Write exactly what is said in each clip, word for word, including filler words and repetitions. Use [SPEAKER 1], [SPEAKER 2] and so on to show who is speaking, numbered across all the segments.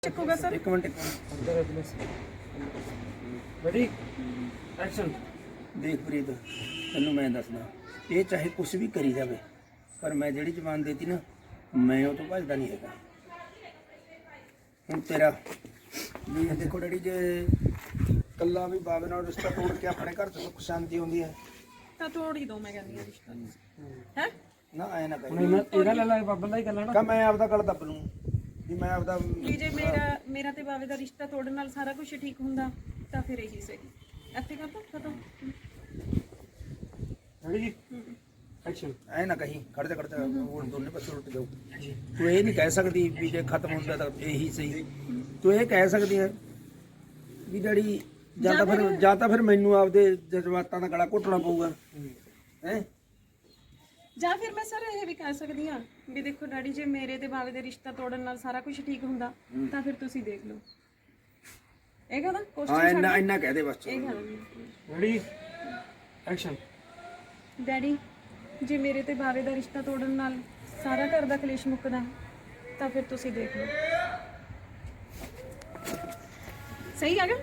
[SPEAKER 1] ਚੱਕੂਗਾ sir
[SPEAKER 2] ਇੱਕ minute ਇੱਕ minute
[SPEAKER 3] ready action.
[SPEAKER 2] ਦੇਖ ਪ੍ਰੀਤ, ਤੈਨੂੰ ਮੈਂ ਦੱਸਦਾ, ਇਹ ਚਾਹੇ ਕੁਛ ਵੀ ਕਰੀ ਜਾਵੇ, ਪਰ ਮੈਂ ਜਿਹੜੀ ਜ਼ਬਾਨ ਦੇਤੀ ਨਾ, ਮੈਂ ਉਹ ਤੋਂ ਭੱਜਦਾ ਨਹੀਂ ਹੈਗਾ। ਹੁਣ ਤੇਰਾ ਵੀ ਦੇਖੋ ਡੈਡੀ, ਜੇ ਕੱਲਾ ਵੀ ਬਾਬੇ ਨਾਲ ਰਿਸ਼ਤਾ ਤੋੜ ਕੇ ਆਪਣੇ ਘਰ 'ਚ ਸੁੱਖ ਸ਼ਾਂਤੀ ਹੁੰਦੀ ਹੈ
[SPEAKER 1] ਤਾਂ ਤੋੜ ਹੀ ਦੋ। ਮੈਂ ਕਹਿੰਦੀ ਆ ਰਿਸ਼ਤਾ ਹੈ
[SPEAKER 2] ਨਾ, ਐ ਨਾ
[SPEAKER 3] ਹੁਣ
[SPEAKER 2] ਕਹੀ
[SPEAKER 3] ਇਹਨਾਂ ਇਹਦਾ ਲੈ ਲਾ ਬਾਬਾ ਦਾ ਹੀ ਗੱਲਾਂ
[SPEAKER 2] ਕਾ
[SPEAKER 3] ਨਾ।
[SPEAKER 2] ਮੈਂ ਆਪਦਾ ਗੱਲ ਦੱਬ ਲੂੰ ਵੀ ਮੈਂ ਆਪਦਾ
[SPEAKER 1] ਵੀ ਜੇ ਮੇਰਾ ਮੇਰਾ ਤੇ ਬਾਵੇ ਦਾ ਰਿਸ਼ਤਾ ਤੋੜਨ ਨਾਲ ਸਾਰਾ ਕੁਝ ਠੀਕ ਹੁੰਦਾ ਤਾਂ ਫਿਰ ਇਹੀ ਸਹੀ। ਇੱਥੇ ਕਰ ਦੋ ਖਤਮ।
[SPEAKER 3] Ready action.
[SPEAKER 2] ਐ ਨਾ ਕਹੀਂ, ਖੜ ਜਾ ਖੜ ਜਾ, ਹੁਣ ਦੋਨੇ ਪਾਸੇ ਉਲਟ ਜਾਓ। ਤੂੰ ਇਹ ਨਹੀਂ ਕਹਿ ਸਕਦੀ ਵੀ ਜੇ ਖਤਮ ਹੁੰਦਾ ਤਾਂ ਇਹੀ ਸਹੀ। ਤੂੰ ਇਹ ਕਹਿ ਸਕਦੀ ਹੈ ਵੀ ਡੈਡੀ ਜਾਂ ਤਾਂ ਫਿਰ ਜਾਂ ਤਾਂ ਫਿਰ ਮੈਨੂੰ ਆਪਦੇ ਜਜ਼ਬਾਤਾਂ ਦਾ ਗਲਾ ਘੁੱਟਣਾ ਪਊਗਾ ਹੈ।
[SPEAKER 1] ਜਾਂ ਫਿਰ ਮੈਂ ਸਰ ਇਹ ਵੀ ਕਹਿ ਸਕਦੀ ਆ ਵੀ ਦੇਖੋ ਡੈਡੀ, ਜੇ ਮੇਰੇ ਤੇ ਬਾਵੇ ਦੇ ਰਿਸ਼ਤਾ ਤੋੜਨ ਨਾਲ ਸਾਰਾ ਕੁਝ ਠੀਕ ਹੁੰਦਾ ਤਾਂ ਫਿਰ ਤੁਸੀਂ ਦੇਖ ਲਓ। ਇਹ ਕਹਦਾ
[SPEAKER 2] ਹਾਂ,
[SPEAKER 1] ਕੁਐਸਚਨ
[SPEAKER 2] ਇੰਨਾ ਇੰਨਾ ਕਹਿ ਦੇ ਬਸ।
[SPEAKER 1] ਇਹ ਕਹਦਾ
[SPEAKER 3] ਰੈਡੀ ਐਕਸ਼ਨ।
[SPEAKER 1] ਡੈਡੀ, ਜੇ ਮੇਰੇ ਤੇ ਬਾਵੇ ਦਾ ਰਿਸ਼ਤਾ ਤੋੜਨ ਨਾਲ ਸਾਰਾ ਘਰ ਦਾ ਕਲੇਸ਼ ਮੁੱਕਦਾ ਤਾਂ ਫਿਰ ਤੁਸੀਂ ਦੇਖ ਲਓ। ਸਹੀ ਆ ਗਿਆ?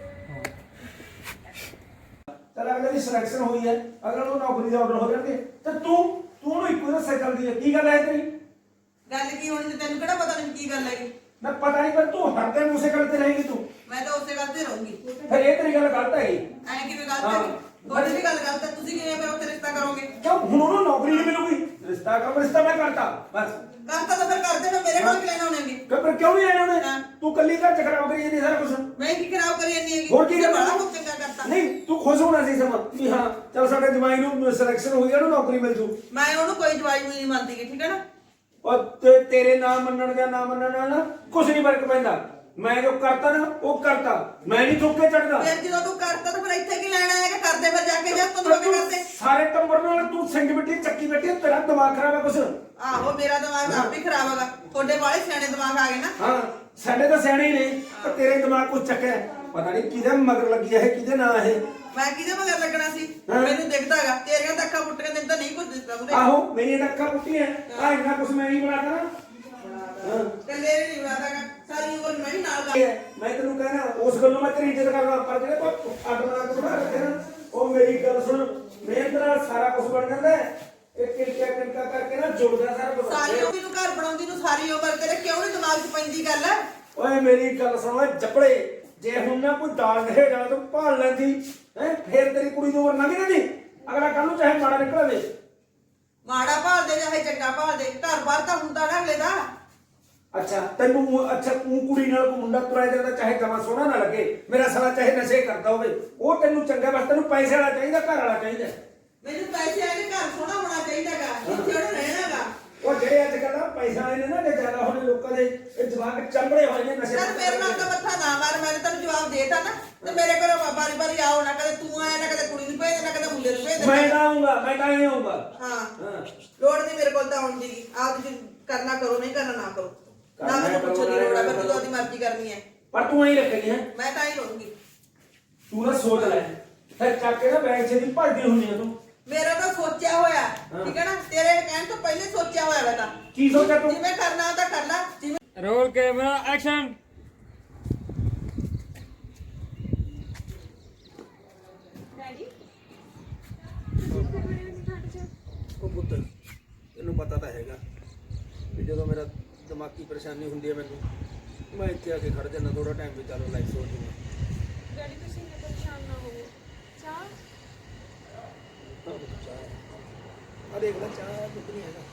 [SPEAKER 2] ਚਲ ਅਗਲੇ ਦੀ ਸਿਲੈਕਸ਼ਨ ਹੋਈ ਹੈ, ਅਗਲੇ ਨੂੰ ਨੌਕਰੀ ਦਾ ਆਰਡਰ ਹੋ ਜਾਣਗੇ ਤੇ ਤੂੰ ਤੂੰ ਉਹਨੂੰ ਇੱਕੋ ਦੱਸਿਆ ਚੱਲਦੀ ਹੈ। ਕੀ ਗੱਲ ਹੈ ਤੇਰੀ?
[SPEAKER 4] ਗੱਲ ਕੀ ਹੋਣੀ ਤੇ ਤੈਨੂੰ ਕਿਹੜਾ ਪਤਾ ਨਹੀਂ ਕੀ ਗੱਲ ਹੈਗੀ।
[SPEAKER 2] ਮੈਂ ਪਤਾ ਨਹੀਂ, ਪਰ ਤੂੰ ਹਰਦੇ ਮੂਸੇ ਕਰਦੇ ਰਹੇਗੀ ਤੂੰ।
[SPEAKER 4] ਮੈਂ ਤਾਂ ਉਸੇ ਗੱਲ ਤੇ ਰਹੂੰਗੀ।
[SPEAKER 2] ਫਿਰ ਇਹ ਤੇਰੀ ਗੱਲ ਗਲਤ ਹੈਗੀ।
[SPEAKER 4] ਐਂ ਕਿਵੇਂ ਗਲਤ ਹੈਗੀ? ਤੁਹਾਡੀ ਵੀ ਗੱਲ ਗਲਤ ਹੈ। ਤੁਸੀਂ ਕਿਵੇਂ ਫਿਰ ਉੱਥੇ ਰਿਸ਼ਤਾ ਕਰੋਗੇ?
[SPEAKER 2] ਕਿਉਂ ਹੁਣ ਉਹਨੂੰ ਨੌਕਰੀ ਨਹੀਂ ਮਿਲੂਗੀ? ਰਿਸ਼ਤਾ ਕਰ, ਰਿਸ਼ਤਾ ਮੈਂ ਕਰਤਾ ਬਸ।
[SPEAKER 4] ਕਰਤਾ ਤਾਂ ਫਿਰ ਕਰਦੇ ਨਾ, ਮੇਰੇ ਕੋਲ ਕੀ ਲੈਣਾ ਹੋਣਗੇ।
[SPEAKER 2] ਕਿ ਪਰ ਕਿਉਂ ਨਹੀਂ ਆਇਆ ਉਹਨੇ?
[SPEAKER 4] ਹਾਂ।
[SPEAKER 2] ਤੂੰ ਕੱਲੀ ਘਰ ਚ ਖਰਾਬ ਕਰੀ ਜਾਂਦੀ ਸਾਰਾ ਕੁਝ।
[SPEAKER 4] ਮੈਂ ਕੀ ਖਰਾਬ ਕਰੀ ਜਾਂਦੀ ਹੈਗੀ?
[SPEAKER 2] ਹੋਰ ਕੀ ਕਰਨਾ?
[SPEAKER 4] ਬੜਾ ਕੁਝ ਚੰਗਾ ਕਰਤਾ।
[SPEAKER 2] ਨਹੀਂ, ਤੂੰ ਖੁਸ਼ ਹੋਣਾ ਸੀ ਸਮਾਂ ਵੀ ਹਾਂ ਚਲ ਸਾਡੇ ਜਮਾਈ ਨੂੰ ਸਿਲੈਕਸ਼ਨ ਹੋਈ ਹੈ, ਉਹਨੂੰ ਨੌਕਰੀ ਮਿਲ ਜੂ।
[SPEAKER 4] ਮੈਂ ਉਹਨੂੰ ਕੋਈ ਜਵਾਈ ਨਹੀਂ ਮੰਨਦੀ ਗੀ, ਠੀਕ ਹੈ ਨਾ।
[SPEAKER 2] ਔਰ ਤੇ ਤੇਰੇ ਨਾ ਮੰਨਣ ਜਾਂ ਨਾ ਮੰਨਣ ਨਾਲ ਨਾ ਕੁਝ ਨਹੀਂ ਫਰਕ ਪੈਂਦਾ। ਮੈਂ ਜੋ ਕਰਤਾ ਨਾ ਉਹ ਕਰਤਾ, ਮੈਂ ਨਹੀਂ ਥੁੱਕੇ ਚੜਦਾ।
[SPEAKER 4] ਫਿਰ ਜਦੋਂ ਤੂੰ ਕਰਤਾ ਤਾਂ ਫਿਰ ਇੱਥੇ ਕੀ ਲੈਣਾ ਹੈਗਾ? ਕਰਦੇ ਫਿਰ ਜਾ ਕੇ ਜਾ ਤੁਹਾਨੂੰ ਕੀ ਕਰਦੇ।
[SPEAKER 2] ਸਾਰੇ ਟੱਬਰ ਨਾਲ ਤੂੰ ਸਿੰਘ ਬਿੱਟੀ ਚੱਕੀ ਬੈਠੀ, ਤੇਰਾ ਦਿਮਾਗ ਖਰਾਬ ਹੈ ਕੁਛ।
[SPEAKER 4] ਆਹੋ, ਮੇਰਾ ਦਿਮਾਗ ਆਪ ਹੀ ਖਰਾਬ ਹੈਗਾ। ਤੁਹਾਡੇ ਵਾਲੇ ਸਿਆਣੇ ਦਿਮਾਗ ਆ ਗਏ ਨਾ।
[SPEAKER 2] ਹਾਂ, ਸਾਡੇ ਤਾਂ ਸਿਆਣੇ ਹੀ ਨੇ, ਪਰ ਤੇਰੇ ਦਿਮਾਗ ਕੁਛ ਚੱਕਿਆ। ਪਤਾ ਨਹੀਂ ਕਿਹਦੇ ਮਗਰ ਲੱਗੀ ਹੈ, ਕਿਹਦੇ ਨਾਂ ਇਹ।
[SPEAKER 4] ਮੈਂ ਕਿਹਦੇ ਮਗਰ ਲੱਗਣਾ ਸੀ? ਮੈਨੂੰ ਦਿਖਦਾ ਹੈਗਾ ਤੇਰੀਆਂ ਤਾਂ ਅੱਖਾਂ ਪੁੱਟੀਆਂ, ਤੈਨੂੰ ਤਾਂ ਨਹੀਂ ਕੁਝ ਦਿਸਦਾ ਉਹਦੇ।
[SPEAKER 2] ਆਹੋ, ਮੇਰੀਆਂ ਤਾਂ ਅੱਖਾਂ ਪੁੱਟੀਆਂ ਆ, ਇੰਨਾ ਕੁਛ ਮੈਂ ਨਹੀਂ ਬਣਾਤਾ ਨਾ।
[SPEAKER 4] ਕੱਲੇ ਨਹੀਂ ਬਣਾਦਾਗਾ, ਸਾਰੀ ਉਮਰ ਮੈਂ ਹੀ ਨਾਲ ਗਾ।
[SPEAKER 2] ਮੈਂ ਤੈਨੂੰ ਕਹਿਣਾ, ਉਸ ਗੱਲੋਂ ਮੈਂ ਤੇਰੀ ਇੱਜ਼ਤ ਕਰਦਾ, ਪਰ ਜਿਹੜੇ ਤੂੰ ਅੱਡ ਬਣਾ ਕੇ ਬਣਾ ਰੱਖੇ ਨਾ, ਉਹ ਮੇਰੀ ਗੱਲ ਸੁਣ। ਮਿਹਨਤ ਨਾਲ ਸਾਰਾ ਕੁਝ ਬਣ ਜਾਂਦਾ ਹੈ। ਇੱਕ ਕਿਲਕਾ ਕਿਲਕਾ ਕਰਕੇ ਨਾ ਜੁੜਦਾ ਸਾਰਾ ਕੁਝ।
[SPEAKER 4] ਸਾਰੀ ਉਮਰ ਨੂੰ ਘਰ ਬਣਾਉਂਦੀ ਨੂੰ ਸਾਰੀ ਉਮਰ ਤੇਰੇ ਕਿਉਂ ਨਹੀਂ ਦਿਮਾਗ 'ਚ ਪੈਂਦੀ ਗੱਲ?
[SPEAKER 2] ਓਏ ਮੇਰੀ ਗੱਲ ਸੁਣ ਓਏ ਜੱਪੜੇ, ਜੇ ਹੁਣ ਨਾ ਕੋਈ ਦਾਲ ਰਹੇ ਜਾਣਾ ਤੂੰ ਭਾਲ ਲੈਂਦੀ ਹੈ, ਫੇਰ ਤੇਰੀ ਕੁੜੀ ਦੀ ਉਮਰ ਲੰਘ ਜਾਂਦੀ। ਅਗਲਾ ਕੱਲ ਨੂੰ ਚਾਹੇ ਮਾੜਾ ਨਿਕਲਵੇ।
[SPEAKER 4] ਮਾੜਾ ਭਾਲ ਦੇ ਚਾਹੇ ਚੰਗਾ ਭਾਲ ਦੇ, ਘਰ ਬਾਹਰ ਤਾਂ ਹੁੰਦਾ ਨਾ ਅਗਲੇ ਦਾ।
[SPEAKER 2] ਅੱਛਾ ਤੈਨੂੰ, ਅੱਛਾ ਤੂੰ ਕੁੜੀ ਨਾਲ ਕੋਈ ਮੁੰਡਾ ਤੁਰਿਆ ਜਾਂਦਾ, ਚਾਹੇ ਜਮਾ ਸੋਹਣਾ ਨਾ ਲੱਗੇ, ਮੇਰਾ ਸਾਲਾ ਚਾਹੇ ਨਸ਼ੇ ਕਰਦਾ ਹੋਵੇ, ਉਹ ਤੈਨੂੰ ਚੰਗਾ, ਬਸ ਤੈਨੂੰ ਪੈਸੇ ਵਾਲਾ ਚਾਹੀਦਾ, ਘਰ ਵਾਲਾ ਚਾਹੀਦਾ।
[SPEAKER 4] ਮੈਨੂੰ ਪੈਸੇ ਆ ਕੇ ਘਰ ਸੋਹਣਾ ਹੋਣਾ ਚਾਹੀਦਾਗਾ, ਜਿੱਥੇ ਉਹਨੇ ਰਹਿਣਾਗਾ।
[SPEAKER 2] ਉਹ ਜਿਹੜੇ ਅੱਜ ਕੱਲ੍ਹ ਪੈਸਾ ਵਾਲੇ ਨੇ ਨਾ, ਜੇ ਜ਼ਿਆਦਾ ਹੋਣੇ ਲੋਕਾਂ ਦੇ, ਇਹ ਜਵਾਕ ਚੰਬੜੇ ਹੋਏ ਨੇ ਨਸ਼ੇ।
[SPEAKER 4] ਚੱਲ ਮੇਰੇ ਨਾਲ ਤਾਂ ਮੱਥਾ ਨਾ ਮਾਰ, ਮੈਂ ਤੈਨੂੰ ਜਵਾਬ ਦੇਤਾ ਨਾ। ਤੇ ਮੇਰੇ ਘਰੋਂ ਬਾਰੀ ਬਾਰੀ ਆਓ ਨਾ, ਕਦੇ ਤੂੰ ਆਇਆ ਨਾ, ਕਦੇ ਕੁੜੀ ਨੂੰ ਭੇਜ ਨਾ, ਕਦੇ ਮੁੰਡੇ ਨੂੰ ਭੇਜ
[SPEAKER 2] ਮੈਂ ਤਾਂ ਆਉਂਗਾ, ਮੈਂ ਤਾਂ ਹੀ ਆਉਂਗਾ।
[SPEAKER 4] ਹਾਂ,
[SPEAKER 2] ਹਾਂ,
[SPEAKER 4] ਲੋੜ ਨਹੀਂ ਮੇਰੇ ਕੋਲ ਤਾਂ ਆਉਣ ਦੀ। ਆਪ ਤੁਸੀਂ ਕਰਨਾ ਕਰੋ, ਨਹੀਂ ਕਰਨਾ ਨਾ ਕਰੋ। ਨਾ ਮੈਨੂੰ ਪੁੱਛੋ ਦੀ ਲੋੜ ਆ, ਫਿਰ ਤੂੰ ਆਪਣੀ ਮਰਜ਼ੀ ਕਰਨੀ ਹੈ।
[SPEAKER 2] ਪਰ ਤੂੰ ਐਂ ਰੱਖਣੀ ਹੈ,
[SPEAKER 4] ਮੈਂ ਤਾਂ ਹੀ ਰਹੂੰਗੀ।
[SPEAKER 2] ਤੂੰ ਨਾ ਸੋਚ ਲੈ, ਫਿਰ ਚੱਕ ਕੇ ਨਾ ਬੈਗ ਛੇਦੀ ਭੱਜਦੀ ਹੁੰਦੀ ਆ ਤੂੰ।
[SPEAKER 4] ਮੇਰਾ ਤਾਂ ਸੋਚਿਆ ਹੋਇਆ, ਠੀਕ ਹੈ ਨਾ। ਤੇਰੇ ਕਹਿਣ ਤੋਂ ਪਹਿਲੇ ਸੋਚਿਆ ਹੋਇਆ ਮੈਂ ਤਾਂ।
[SPEAKER 2] ਕੀ ਸੋਚਿਆ ਤੂੰ?
[SPEAKER 4] ਜਿਵੇਂ ਕਰਨਾ ਤਾਂ ਕਰ ਲੈ, ਜਿਵੇਂ
[SPEAKER 3] ਰੋਲ ਕੈਮਰਾ ਐਕਸ਼ਨ।
[SPEAKER 1] ਡੈਡੀ
[SPEAKER 2] ਉਹ ਪੁੱਤ, ਤੈਨੂੰ ਪਤਾ ਤਾਂ ਹੈਗਾ ਵੀ ਜਦੋਂ ਮੇਰਾ ਦਿਮਾਗੀ ਪਰੇਸ਼ਾਨੀ ਹੁੰਦੀ ਹੈ ਮੈਨੂੰ, ਮੈਂ ਇੱਥੇ ਆ ਕੇ ਖੜ ਜਾਂਦਾ ਥੋੜਾ ਟਾਈਮ ਵੀ, ਚਲੋ ਲਾਈਫ ਸੋਚ ਜੂਗਾ।
[SPEAKER 1] ਡੈਡੀ ਤੁਸੀਂ ਇੰਨੇ ਪਰੇਸ਼ਾਨ ਨਾ ਹੋਵੋ। ਚਾਹ
[SPEAKER 2] ਆ ਦੇਖ ਲੈ, ਚਾਹ ਕੁਝ ਨਹੀਂ ਹੈਗਾ,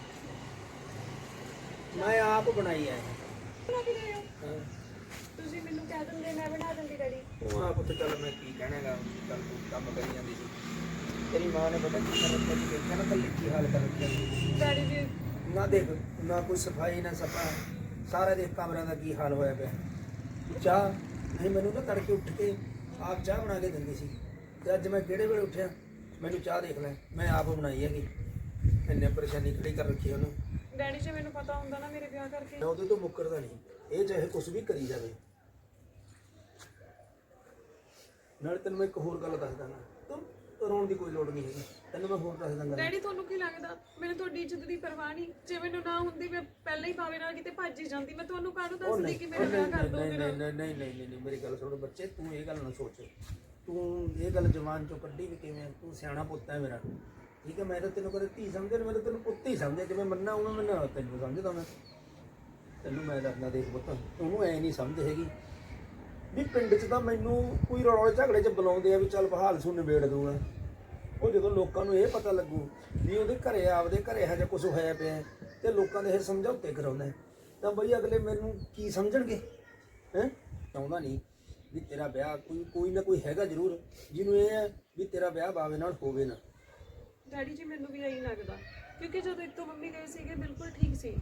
[SPEAKER 2] ਮੈਂ ਆਪ ਬਣਾਈ ਹੈ।
[SPEAKER 1] ਬਣਾ ਕੇ ਲਿਆਓ।
[SPEAKER 2] ਹਾਂ,
[SPEAKER 1] ਤੁਸੀਂ ਮੈਨੂੰ ਕਹਿ ਦਿੰਦੇ ਮੈਂ ਬਣਾ ਦਿੰਦੀ ਡੈਡੀ।
[SPEAKER 2] ਉਹ ਆ ਪੁੱਤ, ਚੱਲ ਮੈਂ ਕੀ ਕਹਿਣਾਗਾ, ਚੱਲ ਤੂੰ ਕੰਮ ਕਰੀ ਜਾਂਦੀ ਸੀ। ਤੇਰੀ ਮਾਂ ਨੇ ਪਤਾ ਕੀ ਕਰ ਰੱਖਿਆ ਸੀ, ਦੇਖਿਆ ਨਾ ਕੱਲੀ ਕੀ ਹਾਲ ਕਰ ਰੱਖਿਆ ਸੀ।
[SPEAKER 1] ਡੈਡੀ ਜੀ
[SPEAKER 2] ਨਾ ਦੇਖ, ਨਾ ਕੋਈ ਸਫਾਈ ਨਾ ਸਫਾ, ਸਾਰਾ ਦੇਖ ਕਮਰਿਆਂ ਦਾ ਕੀ ਹਾਲ ਹੋਇਆ ਪਿਆ। ਚਾਹ ਨਹੀਂ, ਮੈਨੂੰ ਨਾ ਤੜਕੇ ਉੱਠ ਕੇ ਆਪ ਚਾਹ ਬਣਾ ਕੇ ਦਿੰਦੀ ਸੀ, ਤੇ ਅੱਜ ਮੈਂ ਕਿਹੜੇ ਵੇਲੇ ਉੱਠਿਆ, ਮੈਨੂੰ ਚਾਹ ਦੇਖ ਲੈ, ਮੈਂ ਆਪ ਬਣਾਈ ਹੈਗੀ। ਇੰਨੇ ਪਰੇਸ਼ਾਨੀ ਖੜੀ ਕਰ ਰੱਖੀ ਉਹਨੂੰ।
[SPEAKER 1] ਡੈਡੀ ਜੀ ਮੈਨੂੰ ਪਤਾ ਹੁੰਦਾ ਨਾ ਮੇਰੇ ਵਿਆਹ ਕਰਕੇ।
[SPEAKER 2] ਮੈਂ ਉਹਦੇ ਤੋਂ ਮੁੱਕਰਦਾ ਨਹੀਂ, ਇਹ ਚਾਹੇ ਕੁਝ ਵੀ ਕਰੀ ਜਾਵੇ। ਨਾਲ ਤੈਨੂੰ ਮੈਂ ਇੱਕ ਹੋਰ ਗੱਲ ਦੱਸਦਾ ਨਾ, ਤੂੰ ਰੋਣ ਦੀ ਕੋਈ ਲੋੜ ਨਹੀਂ ਹੈਗੀ, ਤੈਨੂੰ ਮੈਂ ਹੋਰ ਦੱਸ ਦਾਂਗਾ।
[SPEAKER 1] ਡੈਡੀ ਤੁਹਾਨੂੰ ਕੀ ਲੱਗਦਾ ਮੈਨੂੰ ਤੁਹਾਡੀ ਇੱਜ਼ਤ ਦੀ ਪਰਵਾਹ ਨਹੀਂ? ਜੇ ਮੈਨੂੰ ਨਾ ਹੁੰਦੀ ਮੈਂ ਪਹਿਲਾਂ ਹੀ ਭਾਵੇਂ ਨਾਲ ਕਿਤੇ ਭੱਜ ਹੀ ਜਾਂਦੀ। ਮੈਂ ਤੁਹਾਨੂੰ ਕਾਹਨੂੰ ਦੱਸਦੀ ਕਿ ਮੇਰੇ ਵਿਆਹ ਕਰ ਦੋ?
[SPEAKER 2] ਨਹੀਂ ਨਹੀਂ ਨਹੀਂ ਨਹੀਂ ਨਹੀਂ ਨਹੀਂ ਮੇਰੀ ਗੱਲ ਸੁਣੋ ਬੱਚੇ, ਤੂੰ ਇਹ ਗੱਲ ਨਾ ਸੋਚ, ਤੂੰ ਇਹ ਗੱਲ ਜਵਾਨ ਚੋਂ ਕੱਢੀ ਵੀ ਕਿਵੇਂ? ਤੂੰ ਸਿਆਣਾ ਪੁੱਤ ਹੈ ਮੇਰਾ, ਠੀਕ ਹੈ। ਮੈਂ ਤਾਂ ਤੈਨੂੰ ਕਦੇ ਧੀ ਸਮਝਿਆ, ਮੈਂ ਤਾਂ ਤੈਨੂੰ ਪੁੱਤ ਹੀ ਸਮਝਿਆ। ਜਿਵੇਂ ਮੰਨਾ ਉਵੇਂ ਮੈਂ ਤੈਨੂੰ ਸਮਝਦਾ। ਮੈਂ ਤੈਨੂੰ ਮੈਂ ਦੱਸਦਾ, ਦੇਖ ਪੁੱਤ, ਉਹਨੂੰ ਐ ਨਹੀਂ ਸਮਝ ਹੈਗੀ ਵੀ ਪਿੰਡ 'ਚ ਤਾਂ ਮੈਨੂੰ ਕੋਈ ਰੌਲੇ ਝਗੜੇ 'ਚ ਬੁਲਾਉਂਦੇ ਆ ਵੀ ਚੱਲ ਬਹਾਲ ਸੁਣ ਨਿਬੇੜ ਦੂੰਗਾ। ਉਹ ਜਦੋਂ ਲੋਕਾਂ ਨੂੰ ਇਹ ਪਤਾ ਲੱਗੂ ਵੀ ਉਹਦੇ ਘਰੇ ਆਪਦੇ ਘਰੇ ਇਹੋ ਜਿਹਾ ਕੁਝ ਹੋਇਆ ਪਿਆ ਤੇ ਲੋਕਾਂ ਦੇ ਇਹ ਸਮਝੌਤੇ ਕਰਾਉਂਦਾ, ਤਾਂ ਬਈ ਅਗਲੇ ਮੈਨੂੰ ਕੀ ਸਮਝਣਗੇ? ਹੈਂ, ਚਾਹੁੰਦਾ ਨਹੀਂ ਵੀ ਤੇਰਾ ਵਿਆਹ, ਕੋਈ ਕੋਈ ਨਾ ਕੋਈ ਹੈਗਾ ਜ਼ਰੂਰ ਜਿਹਨੂੰ ਇਹ ਹੈ ਵੀ ਤੇਰਾ ਵਿਆਹ ਬਾਵੇ ਨਾਲ ਹੋਵੇ ਨਾ।
[SPEAKER 1] ਡੈਡੀ ਜੀ ਮੈਨੂੰ ਵੀ ਇਹੀ ਲੱਗਦਾ, ਕਿਉਂਕਿ ਜਦੋਂ ਇੱਥੋਂ ਮੰਮੀ ਗਏ ਸੀਗੇ ਬਿਲਕੁਲ ਠੀਕ ਸੀ।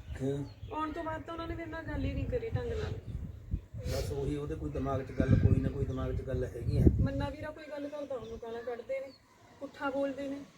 [SPEAKER 1] ਆਉਣ ਤੋਂ ਬਾਅਦ ਤਾਂ ਉਹਨਾਂ ਨੇ ਮੇਰੇ ਨਾਲ ਗੱਲ ਹੀ ਨਹੀਂ ਕਰੀ ਢੰਗ ਨਾਲ।
[SPEAKER 2] ਬਸ ਉਹੀ ਉਹਦੇ ਕੋਈ ਦਿਮਾਗ 'ਚ ਗੱਲ, ਕੋਈ ਨਾ ਕੋਈ ਦਿਮਾਗ 'ਚ ਗੱਲ ਹੈਗੀ ਹੈ।
[SPEAKER 1] ਮੰਨਾ ਵੀਰਾ ਕੋਈ ਗੱਲ ਕਰਦਾ ਉਹਨੂੰ ਗਾਲਾਂ ਕੱਢਦੇ ਨੇ, ਪੁੱਠਾ ਬੋਲਦੇ ਨੇ।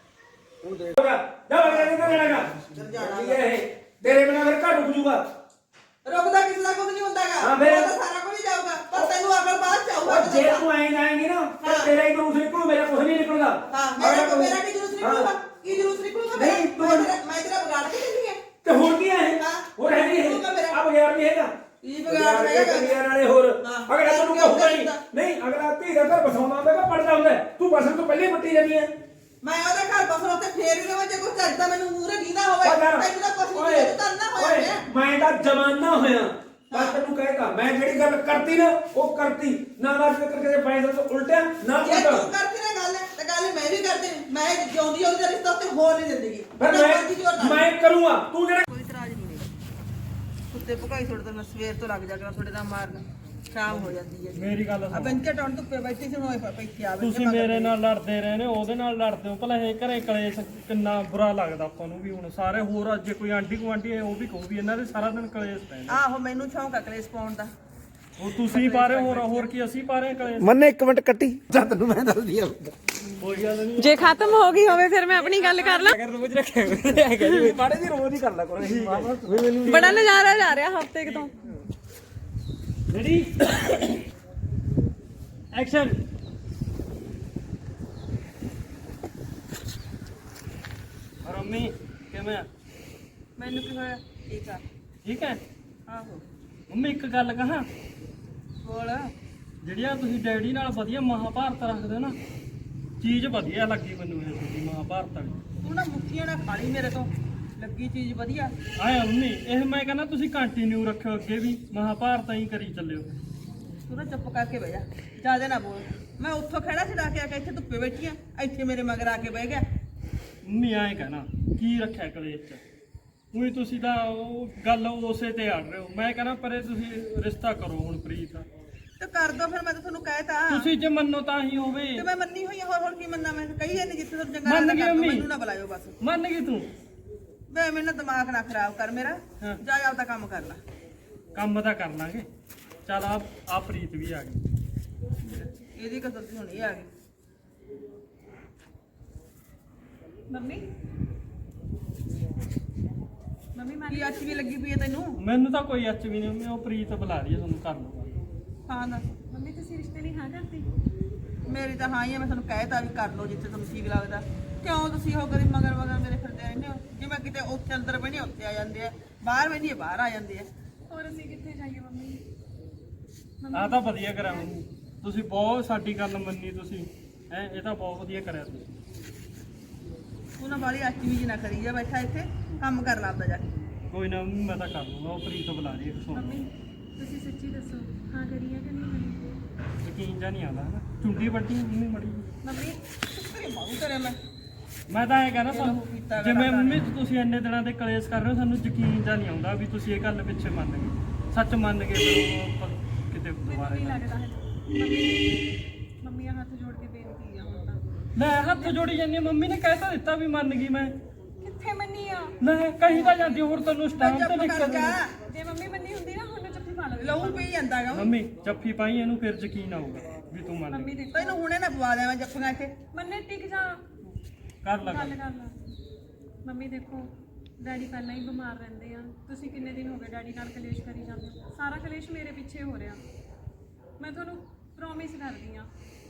[SPEAKER 2] ਹੁਣ ਦੇਖ
[SPEAKER 3] ਜਾ ਜਾ ਨਹੀਂ ਕਰੇਗਾ ਠੀਕ ਹੈ ਇਹ ਤੇਰੇ ਬਿਨਾਂ ਫਿਰ ਘਰ ਰੁਕ ਜੂਗਾ।
[SPEAKER 4] ਰੁਕਦਾ ਕਿਸੇ ਦਾ ਕੁਝ ਨਹੀਂ ਹੁੰਦਾਗਾ,
[SPEAKER 3] ਹਾਂ ਫਿਰ-
[SPEAKER 4] ਉਹ ਤਾਂ ਸਾਰਾ ਕੁਝ ਹੀ ਜਾਊਗਾ, ਪਰ ਤੈਨੂੰ ਅਕਲ ਬਾਅਦ ਚ ਆਊਗਾ।
[SPEAKER 3] ਉਹ ਜੇ ਤੂੰ ਐਂ ਜਾਏਂਗੀ ਨਾ ਫਿਰ ਤੇਰਾ ਹੀ ਜਲੂਸ ਨਿਕਲੂ, ਮੇਰਾ ਕੁਝ ਨਹੀਂ ਨਿਕਲਦਾ।
[SPEAKER 4] ਹਾਂ, ਮੇਰਾ ਮੇਰਾ ਕੀ ਜਲੂਸ ਨਿਕਲੂਗਾ? ਕੀ ਜਲੂਸ ਨਿਕਲੂਗਾ ਮੇਰਾ?
[SPEAKER 3] ਨਹੀਂ, ਤੂੰ-
[SPEAKER 4] ਮੈਂ ਤੇਰਾ ਮੈਂ ਤੇਰਾ ਵਿਗਾੜ ਕੇ ਦਿੰਦੀ ਹੈ।
[SPEAKER 3] ਤੇ ਹੁਣ ਕੀ ਹੈ ਇਹ?
[SPEAKER 4] ਹਾਂ।
[SPEAKER 3] ਹੋਰ ਹੈ ਨਹੀਂ
[SPEAKER 4] ਨਿਕਲੂਗਾ ਮੇਰਾ।
[SPEAKER 3] ਇਹ ਆ ਬਗੈਰ ਨਹੀਂ ਹੈਗਾ
[SPEAKER 4] ਕੀ ਵਿਗਾੜ ਰਹੇਗਾ?
[SPEAKER 3] ਬਗੈਰ ਵਾਲੇ ਹੋਰ
[SPEAKER 4] ਹਾਂ।
[SPEAKER 3] ਅਗਲਾ ਤੈਨੂੰ
[SPEAKER 4] ਕਿਉਂ
[SPEAKER 3] ਕਹੂਗਾ ਨਹੀਂ
[SPEAKER 4] ਕਰਦਾ?
[SPEAKER 3] ਨਹੀਂ ਅਗਲਾ ਧੀ ਦਾ ਘਰ ਬਸਾਉਂਦਾ ਹੁੰਦਾ ਕਿ ਪੜਦਾ ਹੁੰਦਾ, ਤੂੰ ਬਸਣ ਤੋਂ ਪਹਿਲੇ ਪੱਟੀ ਜਾਂਦੀ ਹੈ।
[SPEAKER 4] ਮੈਂ ਉਹਦੇ ਘਰ ਬਸਣ ਉੱਤੇ ਫੇਰ ਵੀ ਰਵਾਂ, ਜੇ ਕੋਈ ਕਰਦਾ ਮੈਨੂੰ ਮੂਹਰੇ ਦੀਦਾ ਹੋਵੇ,
[SPEAKER 3] ਉਹ ਯਾਰ,
[SPEAKER 4] ਤੈਨੂੰ ਤਾਂ ਕੁਛ ਨਹੀਂ
[SPEAKER 3] ਓਏ,
[SPEAKER 4] ਤੂੰ ਕਰਨਾ ਹੋਇਆ
[SPEAKER 3] ਓਏ,
[SPEAKER 4] ਪਿਆ।
[SPEAKER 3] ਮੈਂ ਤਾਂ ਜਮਾਨਾ ਹੋਇਆ ਮੈਂ ਤੈਨੂੰ ਕਹੇਗਾ, ਮੈਂ ਜਿਹੜੀ ਗੱਲ ਕਰਤੀ ਨਾ ਉਹ ਕਰਤੀ ਨਾ, ਨਾ ਫਿਕਰ ਕਿਸੇ ਫਾਇਦਾ ਤੋਂ ਉਲਟਿਆ ਨਾ
[SPEAKER 4] ਜੇ
[SPEAKER 3] ਉਲਟਾ।
[SPEAKER 4] ਤੂੰ ਕਰਦੀ ਨਾ ਗੱਲ ਤੇ ਗੱਲ ਮੈਂ ਵੀ ਕਰਦੀ, ਮੈਂ ਜਿਉਂਦੀ ਉਹਦੇ ਰਿਸ਼ਤਾ ਉੱਤੇ ਹੋਰ ਨਹੀਂ ਦਿੰਦੀ।
[SPEAKER 3] ਫਿਰ ਮੈਂ ਮੈਂ ਕਰੂੰਗਾ, ਤੂੰ ਜਿਹੜਾ
[SPEAKER 4] ਕੋਈ ਇਤਰਾਜ਼ ਨਹੀਂ ਮੇਰਾ। ਕੁੱਤੇ ਭੁਕਾਈ ਛੋੜ ਤੇ ਮੈਂ ਸਵੇਰ ਤੋਂ ਲੱਗ ਜਾ ਕਰਾਂ ਤੁਹਾਡੇ ਨਾਲ ਮਾਰਨ, ਸ਼ਾਮ ਹੋ ਜਾਂਦੀ ਹੈ।
[SPEAKER 3] ਮੇਰੀ ਗੱਲ
[SPEAKER 4] ਆ ਬੰਕੇ ਟੌਣ ਧੁੱਪੇ ਬੈਠੀ ਸੀ, ਹੋਏ ਪਈਤੀ ਆਵੇ।
[SPEAKER 3] ਤੁਸੀਂ ਮੇਰੇ ਨਾਲ ਲੜਦੇ ਰਹੇ ਨੇ, ਉਹਦੇ ਨਾਲ ਲੜਦੇ ਹੋ ਭਲਾ। ਇਹ ਘਰੇ ਕਲੇਸ਼ ਕਿੰਨਾ ਬੁਰਾ ਲੱਗਦਾ ਆਪਾਂ ਨੂੰ ਵੀ। ਹੁਣ ਸਾਰੇ ਹੋਰ ਜੇ ਕੋਈ ਆਂਢੀ ਗੁਆਂਢੀ ਹੈ ਉਹ ਵੀ ਕਹੂ ਵੀ ਇਹਨਾਂ ਦੇ ਸਾਰਾ ਦਿਨ ਕਲੇਸ਼ ਪੈਂਦੇ।
[SPEAKER 4] ਆਹੋ, ਮੈਨੂੰ ਸ਼ੌਂਕ ਆ ਕਲੇਸ਼ ਪਾਉਣ ਦਾ।
[SPEAKER 3] ਉਹ ਤੁਸੀਂ ਪਾ ਰਹੇ ਹੋਰ ਹੋਰ ਕੀ ਅਸੀਂ ਪਾ ਰਹੇ ਕਲੇਸ਼?
[SPEAKER 2] ਮੰਨੇ ਇੱਕ ਮਿੰਟ ਕੱਟੀ ਜਾਂ ਤੈਨੂੰ ਮੈਂ ਦੱਸਦੀ ਆ।
[SPEAKER 3] ਕੋਈ ਗੱਲ ਨਹੀਂ,
[SPEAKER 1] ਜੇ ਖਤਮ ਹੋ ਗਈ ਹੋਵੇ ਫਿਰ ਮੈਂ ਆਪਣੀ ਗੱਲ ਕਰ ਲਾਂ।
[SPEAKER 3] ਅਗਰ ਰੋਜ਼ ਰੱਖਿਆ ਹੈਗਾ ਜੀ ਮਾੜੇ ਦੀ ਰੋਜ਼ ਹੀ ਕਰ ਲੈ ਕਰੋ।
[SPEAKER 1] ਬੜਾ ਨਜ਼ਾਰਾ ਜਾ ਰਿਹਾ ਹਫਤੇ ਕੁ ਤੋਂ।
[SPEAKER 3] Ready action. ਰਮੀ ਕਿਵੇਂ ਆ?
[SPEAKER 4] ਮੈਨੂੰ ਕੀ ਹੋਇਆ? ਠੀਕ ਆ।
[SPEAKER 3] ਠੀਕ ਹੈ।
[SPEAKER 4] ਆਹੋ,
[SPEAKER 3] ਮੰਮੀ ਇੱਕ ਗੱਲ ਕਹਾਂ,
[SPEAKER 4] ਬੋਲ।
[SPEAKER 3] ਜਿਹੜੀਆਂ ਤੁਸੀਂ ਡੈਡੀ ਨਾਲ ਵਧੀਆ ਮਹਾਭਾਰਤ ਰੱਖਦੇ ਹੋ ਨਾ, ਚੀਜ਼ ਵਧੀਆ ਲੱਗੀ ਮੈਨੂੰ ਇਹ ਤੁਹਾਡੀ ਮਹਾਭਾਰਤ ਵਾਲੀ।
[SPEAKER 4] ਤੂੰ ਨਾ ਮੁੱਠੀਆਂ ਨਾਲ ਖਾ ਲਈ ਮੇਰੇ ਤੋਂ, ਲੱਗੀ ਚੀਜ਼ ਵਧੀਆ।
[SPEAKER 3] ਆਇਆ ਮੰਮੀ ਇਹ ਮੈਂ ਕਹਿੰਦਾ ਤੁਸੀਂ ਕੰਟੀਨਿਊ ਰੱਖਿਓ, ਅੱਗੇ ਵੀ ਮਹਾਭਾਰਤ ਹੀ ਕਰੀ ਚੱਲਿਓ।
[SPEAKER 4] ਤੂੰ ਨਾ ਚੁੱਪ ਕਰਕੇ ਬਹਿ ਜਾ, ਜ਼ਿਆਦਾ ਨਾ ਬੋਲ। ਮੈਂ ਉੱਥੋਂ ਖੜਾ ਛਡਾ ਕੇ ਆ ਕੇ ਇੱਥੇ ਧੁੱਪੇ ਬੈਠੀ ਆ, ਇੱਥੇ ਮੇਰੇ ਮਗਰ ਆ ਕੇ ਬਹਿ ਗਿਆ।
[SPEAKER 3] ਮੰਮੀ ਐਂ ਕਹਿਣਾ ਕੀ ਰੱਖਿਆ ਕਲੇਸ਼ ਚ? ਉਹੀ ਤੁਸੀਂ ਤਾਂ ਉਹ ਗੱਲ ਉਸੇ ਤੇ ਅੜ ਰਹੇ ਹੋ। ਮੈਂ ਕਹਿੰਦਾ ਪਰੇ ਤੁਸੀਂ ਰਿਸ਼ਤਾ ਕਰੋ ਹੁਣ ਪ੍ਰੀਤ।
[SPEAKER 4] ਤੇ ਕਰ ਦੋ ਫਿਰ, ਮੈਂ ਤਾਂ ਤੁਹਾਨੂੰ ਕਹਿਤਾ।
[SPEAKER 3] ਤੁਸੀਂ ਜੇ ਮੰਨੋ ਤਾਂ ਹੀ ਹੋਵੇ।
[SPEAKER 4] ਤੇ ਮੈਂ ਮੰਨੀ ਹੋਈ ਆ, ਹੋਰ ਹੋਰ ਕੀ ਮੰਨਾਂ ਮੈਂ? ਕਹੀ ਜਾਂਦੀ ਜਿੱਥੇ ਤੁਹਾਨੂੰ ਚੰਗਾ
[SPEAKER 3] ਮੰਨ
[SPEAKER 4] ਲੱਗਦਾ
[SPEAKER 3] ਗਈ
[SPEAKER 4] ਕਰ ਦਿਓ,
[SPEAKER 3] ਮੰਮੀ।
[SPEAKER 4] ਮੈਨੂੰ ਨਾ ਬੁਲਾਇਓ ਬਸ।
[SPEAKER 3] ਮੰਨ ਗਈ ਤੂੰ?
[SPEAKER 4] ਵੇ ਮੈਨੂੰ ਨਾ ਦਿਮਾਗ ਨਾ ਖਰਾਬ ਕਰ ਮੇਰਾ,
[SPEAKER 3] ਹਾਂ।
[SPEAKER 4] ਜਾ ਆਪਦਾ ਕੰਮ ਕਰ ਲੈ।
[SPEAKER 3] ਕੰਮ ਤਾਂ ਕਰ ਲਾਂਗੇ। ਚੱਲ ਆ ਆ ਪ੍ਰੀਤ ਵੀ ਆ ਗਈ।
[SPEAKER 4] ਇਹਦੀ ਕਸਰ ਤੇ ਹੁਣ ਇਹ ਆ ਗਈ।
[SPEAKER 1] ਮੰਮੀ ਮੰਮੀ ਮੈਂ
[SPEAKER 4] ਕੀ ਅੱਛ ਵੀ ਲੱਗੀ ਪਈ ਹੈ ਤੈਨੂੰ?
[SPEAKER 3] ਮੈਨੂੰ ਤਾਂ ਕੋਈ ਅੱਚ ਵੀ ਨਹੀਂ ਮੰਮੀ, ਉਹ ਪ੍ਰੀਤ ਬੁਲਾ ਰਹੀ ਹੈ ਤੁਹਾਨੂੰ ਕਰ ਲਓ।
[SPEAKER 4] ਹਾਂ ਦੱਸ।
[SPEAKER 1] ਮੰਮੀ ਤੁਸੀਂ ਰਿਸ਼ਤੇ ਲਈ ਹਾਂ ਕਰਤੀ?
[SPEAKER 4] ਮੇਰੀ ਤਾਂ ਹਾਂ ਹੀ ਆ, ਮੈਂ ਤੁਹਾਨੂੰ ਕਹਿਤਾ ਵੀ ਕਰ ਲਓ ਜਿੱਥੇ ਤੁਹਾਨੂੰ ਠੀਕ ਲੱਗਦਾ। ਕਿਉਂ ਤੁਸੀਂ ਉਹ ਕਰੀ ਮਗਰ ਮਗਰ ਮੇਰੇ ਫਿਰਦੇ ਰਹਿੰਦੇ ਹੋ? ਜਿਵੇਂ ਕਿਤੇ ਉੱਥੇ ਅੰਦਰ ਬਹਿਣੇ ਉੱਥੇ ਆ ਜਾਂਦੇ ਆ, ਬਾਹਰ ਬਹਿਣੇ ਬਾਹਰ ਆ ਜਾਂਦੇ ਆ।
[SPEAKER 1] ਹੋਰ ਅਸੀਂ ਕਿੱਥੇ ਜਾਈਏ ਮੰਮੀ?
[SPEAKER 3] ਆ ਤਾਂ ਵਧੀਆ ਕਰਿਆ ਮੰਮੀ, ਤੁਸੀਂ ਬਹੁਤ ਸਾਡੀ ਗੱਲ ਮੰਨੀ ਤੁਸੀਂ। ਹੈ ਇਹ ਤਾਂ ਬਹੁਤ ਵਧੀਆ ਕਰਿਆ ਤੁਸੀਂ।
[SPEAKER 4] ਤੂੰ ਨਾ ਬਾਲੀ ਅੱਛੀ ਵੀ ਨਾ ਕਰੀ ਜਾ, ਬੈਠਾ ਇੱਥੇ ਕੰਮ ਕਰ ਲਾ ਆਪਦਾ ਜਾ ਕੇ।
[SPEAKER 3] ਕੋਈ ਨਾ ਮੰਮੀ, ਮੈਂ ਤਾਂ ਕਰ ਲੂੰਗਾ। ਉਹ ਪ੍ਰੀਤ ਬੁਲਾ ਰਹੀ ਹੈ। ਸੁਣ
[SPEAKER 1] ਮੰਮੀ ਤੁਸੀਂ ਸੱਚੀ ਦੱਸੋ, ਹਾਂ ਕਰੀਏ ਕਿ ਨਹੀਂ ਕਰੀਏ?
[SPEAKER 3] ਯਕੀਨ ਜਾਂ ਨਹੀਂ ਆਉਂਦਾ ਹੈ ਨਾ, ਚੁੰਡੀ ਵੱਡੀ ਮੰਮੀ ਮੜੀ।
[SPEAKER 1] ਮੰਮੀ
[SPEAKER 4] ਤੇਰੇ ਮਾਰੂ ਤੇਰੇ ਮੈਂ
[SPEAKER 3] ਮੈਂ ਤਾਂ ਇਹ ਕਹਿੰਦਾ
[SPEAKER 4] ਚਲੋ ਕੀਤਾ
[SPEAKER 3] ਤੁਹਾਨੂੰ,
[SPEAKER 4] ਗਾ
[SPEAKER 3] ਜਿਵੇਂ
[SPEAKER 4] ਰੱਬ
[SPEAKER 3] ਮੰਮੀ ਤੁਸੀਂ ਇੰਨੇ ਦਿਨਾਂ ਦੇ ਕਲੇਸ਼ ਕਰ ਰਹੇ ਹੋ, ਸਾਨੂੰ ਯਕੀਨ ਜਾਂ ਨਹੀਂ ਆਉਂਦਾ ਵੀ ਤੁਸੀਂ ਇਹ ਗੱਲ ਪਿੱਛੇ ਮੰਨ ਗਏ। ਸੱਚ ਮੰਨ ਗਏ ਫਿਰ ਉਹ ਆਪਾਂ ਕਿਤੇ
[SPEAKER 1] ਮੈਨੂੰ
[SPEAKER 3] ਦੁਬਾਰੇ
[SPEAKER 1] ਨਹੀਂ ਲੱਗਦਾ ਹੈ। ਮੰਮੀ ਮੰਮੀ ਹੱਥ ਜੋੜ ਕੇ ਬੇਨਤੀ ਆ ਹੁਣ ਤਾਂ।
[SPEAKER 3] ਲੈ ਹੱਥ ਜੋੜੀ ਜਾਂਦੀ ਹਾਂ, ਮੰਮੀ ਨੇ ਕਹਿ ਤਾਂ ਦਿੱਤਾ ਵੀ ਮੰਨ ਗਈ ਮੈਂ।
[SPEAKER 1] ਕਿੱਥੇ ਮੰਨੀ ਆ?
[SPEAKER 3] ਲੈ ਕਹੀ ਤਾਂ ਜਾਂਦੀ ਹੋਰ ਤੈਨੂੰ ਸਟਾਮ ਤੇ
[SPEAKER 4] ਚੁੱਪ
[SPEAKER 3] ਲਿਖ
[SPEAKER 4] ਕਰ
[SPEAKER 3] ਕੇ
[SPEAKER 4] ਜਾ,
[SPEAKER 1] ਜੇ ਮੰਮੀ ਮੰਨੀ ਹੁੰਦੀ ਨਾ ਹੁਣ ਜੱਫੀ ਪਾ ਲਵੇ।
[SPEAKER 4] ਲਹੂ ਪੀ ਜਾਂਦਾ ਗਾ।
[SPEAKER 3] ਮੰਮੀ ਜੱਫੀ ਪਾਈ ਇਹਨੂੰ ਫਿਰ ਯਕੀਨ ਆਊਗਾ ਵੀ ਤੂੰ ਮੰਨ
[SPEAKER 1] ਮੰਮੀ
[SPEAKER 3] ਗਈ।
[SPEAKER 1] ਦੇਖੋ
[SPEAKER 4] ਤੈਨੂੰ ਹੁਣੇ ਨਾ ਪਵਾ ਦੇਵਾਂ ਜੱਫੀਆਂ ਇੱਥੇ।
[SPEAKER 1] ਮੰਨੇ ਟਿਕ ਜਾ,
[SPEAKER 3] ਕਰ ਲੈ
[SPEAKER 1] ਗੱਲ
[SPEAKER 3] ਗੱਲ।
[SPEAKER 1] ਕਰ ਲਾ। ਮੰਮੀ ਦੇਖੋ ਡੈਡੀ ਪਹਿਲਾਂ ਹੀ ਬਿਮਾਰ ਰਹਿੰਦੇ ਆ, ਤੁਸੀਂ ਕਿੰਨੇ ਦਿਨ ਹੋ ਗਏ ਡੈਡੀ ਨਾਲ ਕਲੇਸ਼ ਕਰੀ ਜਾਂਦੇ ਹੋ। ਸਾਰਾ ਕਲੇਸ਼ ਮੇਰੇ ਪਿੱਛੇ ਹੋ ਰਿਹਾ। ਮੈਂ ਤੁਹਾਨੂੰ ਪ੍ਰੋਮਿਸ ਕਰਦੀ ਆ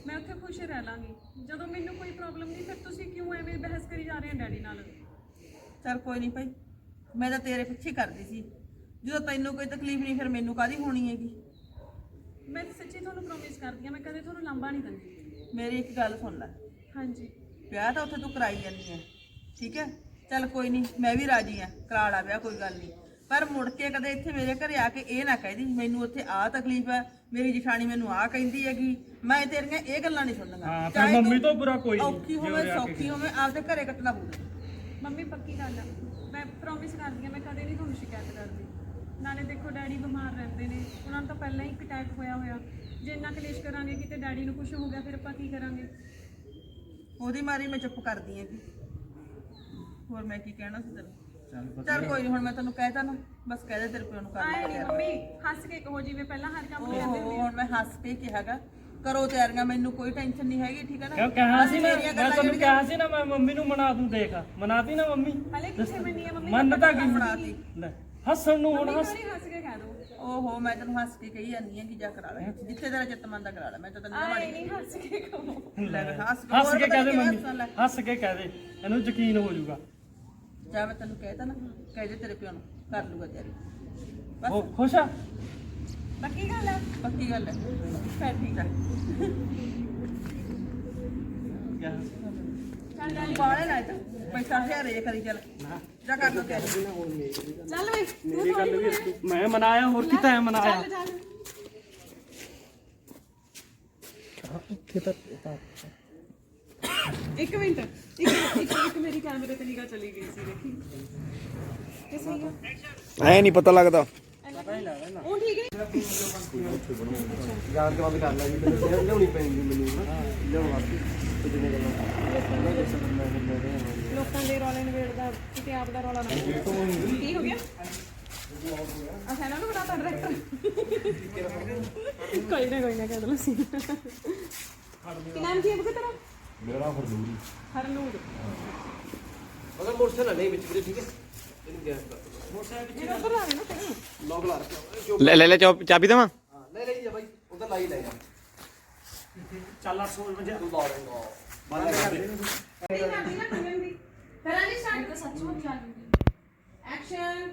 [SPEAKER 1] ਮੈਂ ਉੱਥੇ ਖੁਸ਼ ਰਹਿ ਲਾਂਗੀ। ਜਦੋਂ ਮੈਨੂੰ ਕੋਈ ਪ੍ਰੋਬਲਮ ਨਹੀਂ, ਫਿਰ ਤੁਸੀਂ ਕਿਉਂ ਐਵੇਂ ਬਹਿਸ ਕਰੀ ਜਾ ਰਹੇ ਹੋ ਡੈਡੀ ਨਾਲ?
[SPEAKER 4] ਚੱਲ ਕੋਈ ਨਹੀਂ ਭਾਈ, ਮੈਂ ਤਾਂ ਤੇਰੇ ਪਿੱਛੇ ਕਰਦੀ ਸੀ। ਜਦੋਂ ਤੈਨੂੰ ਕੋਈ ਤਕਲੀਫ ਨਹੀਂ, ਫਿਰ ਮੈਨੂੰ ਕਾਹਦੀ ਹੋਣੀ ਹੈਗੀ।
[SPEAKER 1] ਮੈਂ ਸੱਚੀ ਤੁਹਾਨੂੰ ਪ੍ਰੋਮਿਸ ਕਰਦੀ ਹਾਂ, ਮੈਂ ਕਦੇ ਤੁਹਾਨੂੰ ਲਾਂਭਾ ਨਹੀਂ ਦਿੰਦੀ।
[SPEAKER 4] ਮੇਰੀ ਇੱਕ ਗੱਲ ਸੁਣ ਲੈ,
[SPEAKER 1] ਹਾਂਜੀ
[SPEAKER 4] ਵਿਆਹ ਤਾਂ ਉੱਥੇ ਤੂੰ ਕਰਾਈ ਜਾਂਦੀ ਹੈ, ਠੀਕ ਹੈ, ਚੱਲ ਕੋਈ ਨਹੀਂ, ਮੈਂ ਵੀ ਰਾਜੀ ਆ, ਕਰਾ ਲਾ ਵਿਆਹ, ਕੋਈ ਗੱਲ ਨਹੀਂ। ਪਰ ਮੁੜ ਕੇ ਕਦੇ ਇੱਥੇ ਮੇਰੇ ਘਰੇ ਆ ਕੇ ਇਹ ਨਾ ਕਹਿਦੀ ਮੈਨੂੰ ਉੱਥੇ ਆਹ ਤਕਲੀਫ ਹੈ, ਮੇਰੀ ਜਠਾਣੀ ਮੈਨੂੰ ਆਹ ਕਹਿੰਦੀ ਹੈਗੀ। ਮੈਂ ਤੇਰੀਆਂ ਇਹ ਗੱਲਾਂ ਨਹੀਂ ਸੁਣਨੀਆਂ।
[SPEAKER 3] ਹਾਂ, ਫਿਰ ਮੰਮੀ ਤੋਂ ਬੁਰਾ ਕੋਈ ਨਹੀਂ।
[SPEAKER 4] ਔਖੀ ਹੋਵੇ ਸੌਖੀ ਹੋਵੇ, ਆਪਦੇ ਘਰੇ ਕੱਟਣਾ ਪਊਗਾ।
[SPEAKER 1] ਮੰਮੀ ਪੱਕੀ ਗੱਲ ਆ, ਮੈਂ ਪ੍ਰੋਮਿਸ ਕਰਦੀ ਹਾਂ ਮੈਂ ਕਦੇ ਨਹੀਂ ਤੁਹਾਨੂੰ ਸ਼ਿਕਾਇਤ ਕਰਦੀ। ਨਾਲੇ ਦੇਖੋ ਡੈਡੀ ਬਿਮਾਰ ਰਹਿੰਦੇ ਨੇ, ਉਹਨਾਂ ਨੂੰ ਤਾਂ ਪਹਿਲਾਂ ਹੀ ਇੱਕ ਅਟੈਕ ਹੋਇਆ ਹੋਇਆ। ਜੇ ਇੰਨਾ ਕਲੇਸ਼ ਕਰਾਂਗੇ ਕਿਤੇ ਡੈਡੀ ਨੂੰ ਕੁਝ ਹੋ ਗਿਆ, ਫਿਰ ਆਪਾਂ ਕੀ ਕਰਾਂਗੇ?
[SPEAKER 4] ਉਹਦੀ ਮਾਰੀ ਮੈਂ ਚੁੱਪ ਕਰਦੀ ਹੈਗੀ, ਹੋਰ ਮੈਂ ਕੀ ਕਹਿਣਾ ਸੀ ਤੈਨੂੰ।
[SPEAKER 3] ਚੱਲ
[SPEAKER 4] ਚੱਲ ਕੋਈ ਨਹੀਂ, ਹੁਣ ਮੈਂ ਤੈਨੂੰ ਕਹਿਤਾ ਨਾ, ਬਸ ਕਹਿ ਦੇ ਤੇਰੇ ਪਿਓ ਨੂੰ ਕਰ
[SPEAKER 1] ਆਏ
[SPEAKER 4] ਲੈ
[SPEAKER 1] ਨਹੀਂ ਮੰਮੀ, ਹੱਸ ਕੇ ਕਹੋ ਜਿਵੇਂ ਪਹਿਲਾਂ ਹਰ ਕੰਮ ਕਰਦੇ ਹੁੰਦੇ।
[SPEAKER 4] ਹੁਣ ਮੈਂ ਹੱਸ ਕੇ ਕਿਹਾਗਾ, ਕਰੋ ਤਿਆਰੀਆਂ, ਮੈਨੂੰ ਕੋਈ ਟੈਨਸ਼ਨ ਨਹੀਂ ਹੈਗੀ, ਠੀਕ ਹੈ ਨਾ।
[SPEAKER 3] ਕਿਉਂ ਕਿਹਾ ਸੀ ਨਾ,
[SPEAKER 4] ਮੇਰੀਆਂ
[SPEAKER 3] ਮੈਂ
[SPEAKER 4] ਗੱਲਾਂ
[SPEAKER 3] ਤੁਹਾਨੂੰ
[SPEAKER 4] ਜਿਹੜੀਆਂ-
[SPEAKER 3] ਕਿਹਾ ਸੀ ਨਾ ਮੈਂ ਮੰਮੀ ਨੂੰ ਮਨਾ ਦੂੰ। ਦੇਖ ਮਨਾਤੀ ਨਾ ਮੰਮੀ,
[SPEAKER 1] ਹਲੇ ਕਿੱਥੇ ਮੰਨੀ ਹੈ ਮੰਮੀ?
[SPEAKER 3] ਮੰਨ ਤਾਂ ਗਈ।
[SPEAKER 4] ਬਣਾਤੀ।
[SPEAKER 3] ਲੈ ਹੱਸਣ ਨੂੰ ਹੁਣ
[SPEAKER 1] ਮੰਮੀ
[SPEAKER 3] ਹੱਸ।
[SPEAKER 1] ਥੋੜੀ ਹੱਸ ਕੇ ਕਹਿ ਦੋ।
[SPEAKER 4] ਓਹੋ, ਮੈਂ ਤੈਨੂੰ ਹੱਸ ਕੇ ਕਹੀ ਜਾਂਦੀ ਹਾਂ ਕਿ ਜਾ ਕਰਾ ਲੈ, ਜਿੱਥੇ ਤੇਰਾ ਚਿੱਤ ਮੰਨਦਾ ਕਰਾ ਲੈ। ਮੈਂ ਤਾਂ ਤੈਨੂੰ
[SPEAKER 1] ਆਏ
[SPEAKER 4] ਮਾੜੀ
[SPEAKER 1] ਨਹੀਂ ਹੱਸ ਕੇ ਕਹੋ।
[SPEAKER 3] ਲੈ,
[SPEAKER 4] ਹੱਸ ਕੇ-
[SPEAKER 3] ਹੱਸ
[SPEAKER 4] ਹੋਰ
[SPEAKER 3] ਕੇ
[SPEAKER 4] ਪਤਾ
[SPEAKER 3] ਕਹਿ ਦੇ
[SPEAKER 4] ਕਿਵੇਂ
[SPEAKER 3] ਮੰਮੀ,
[SPEAKER 4] ਹੱਸਣ ਲੱਗ।
[SPEAKER 3] ਹੱਸ ਕੇ ਕਹਿ ਦੇ, ਇਹਨੂੰ ਯਕੀਨ ਹੋ ਜਾਊਗਾ।
[SPEAKER 4] ਜਾ ਮੈਂ ਤੈਨੂੰ ਕਹਿਤਾ ਨਾ, ਕਹਿ ਦੇ ਤੇਰੇ ਪਿਓ ਨੂੰ, ਕਰ ਲੂਗਾ ਤਿਆਰੀ। ਬਸ
[SPEAKER 3] ਉਹ ਖੁਸ਼ ਆ?
[SPEAKER 1] ਪੱਕੀ ਗੱਲ ਹੈ?
[SPEAKER 4] ਪੱਕੀ ਗੱਲ ਹੈ, ਫਿਰ ਠੀਕ ਹੈ।
[SPEAKER 1] ਚੱਲ ਡੈਡੀ
[SPEAKER 4] ਬਾਲੇ ਨਾ ਤਾਂ ਪੈਸਾ ਹਜ਼ਾਰ ਇਹ ਕਰੀ ਚੱਲ, ਜਾ ਕਰ ਲੋ ਤਿਆਰੀ।
[SPEAKER 1] ਚੱਲ ਵੇ
[SPEAKER 3] ਮੇਰੀ ਗੱਲ ਵੀ ਤੂੰ- ਮੈਂ ਮਨਾਇਆ, ਹੋਰ ਕਿਤਾ ਹੈ ਮਨਾਇਆ।
[SPEAKER 1] ਚੱਲ ਚੱਲ ਇੱਕ ਮਿੰਟ, ਇੱਕ ਇੱਕ ਇੱਕ ਮੇਰੀ ਕੈਮਰੇ ਤੇ ਨਿਗਾਹ ਚਲੀ ਗਈ ਸੀ, ਦੇਖੀ ਇਹ ਸਹੀ ਆ?
[SPEAKER 2] ਐ ਨਹੀਂ ਪਤਾ ਲੱਗਦਾ।
[SPEAKER 1] ਉਹ ਠੀਕ ਹੈ।
[SPEAKER 5] ਯਾਦ ਕੇ ਬਾਅਦ ਕਰ ਲੈ ਜੀ, ਮੈਨੂੰ ਲਿਆਉਣੀ ਪੈਂਦੀ ਮੈਨੂੰ ਨਾ ਲਿਆਉਣ ਵਾਸਤੇ ਤੇ ਜਿੰਨੇ ਗੱਲਾਂ
[SPEAKER 1] ਲੋਕਾਂ ਦੇ ਰੌਲੇ ਨਵੇੜਦਾ ਕਿਤੇ ਆਪ ਦਾ ਰੌਲਾ ਨਾ ਹੋਵੇ। ਕੀ ਹੋ ਗਿਆ? ਅੱਛਾ ਇਹਨਾਂ ਨੂੰ ਬਣਾਤਾ ਡਾਇਰੈਕਟਰ। ਕੋਈ ਨਾ ਕੋਈ ਨਾ ਕਹਿ ਦੋ ਸੀ। ਕੀ ਨਾਮ ਕੀ ਹੈ ਬੁਕੇ ਤੇਰਾ?
[SPEAKER 5] ਮੇਰਾ ਨਾਮ ਹਰਨੂਰ
[SPEAKER 1] ਹਰਨੂਰ।
[SPEAKER 5] ਮਗਰ ਮੋਟਰਸਾਈਕਲ ਨਹੀਂ ਵਿੱਚ ਵੀਰੇ, ਠੀਕ ਹੈ, ਇਹਨੂੰ ਗੈਸ ਕਰ
[SPEAKER 1] ਮੇਰਾ ਉੱਧਰ ਆ ਨਾ ਫਿਰ।
[SPEAKER 5] ਲੌਕ ਲਾ ਰੱਖਿਆ।
[SPEAKER 6] ਲੈ ਲੈ ਲੈ ਚਾਬੀ ਚਾਬੀ ਦੇਵਾਂ?
[SPEAKER 5] ਹਾਂ ਲੈ ਲਈ ਜਾ ਬਾਈ, ਉਧਰ ਲਾਈ ਲੈ ਜਾ।
[SPEAKER 3] ਚੱਲ ਅੱਠ ਸੌ ਵਜੇ
[SPEAKER 5] ਤੂੰ ਲਾ ਲੈਂਗਾ ਬੰਦ ਕਰ ਦੇ।
[SPEAKER 1] ਨਹੀਂ ਕਰਦੀ ਨਾ ਟੰਗਣ ਦੀ। ਕਰਾਂ ਜੀ ਸਟਾਰਟ। ਸੱਚਮੁੱਚ ਆ ਜੂਗੀ। ਐਕਸ਼ਨ।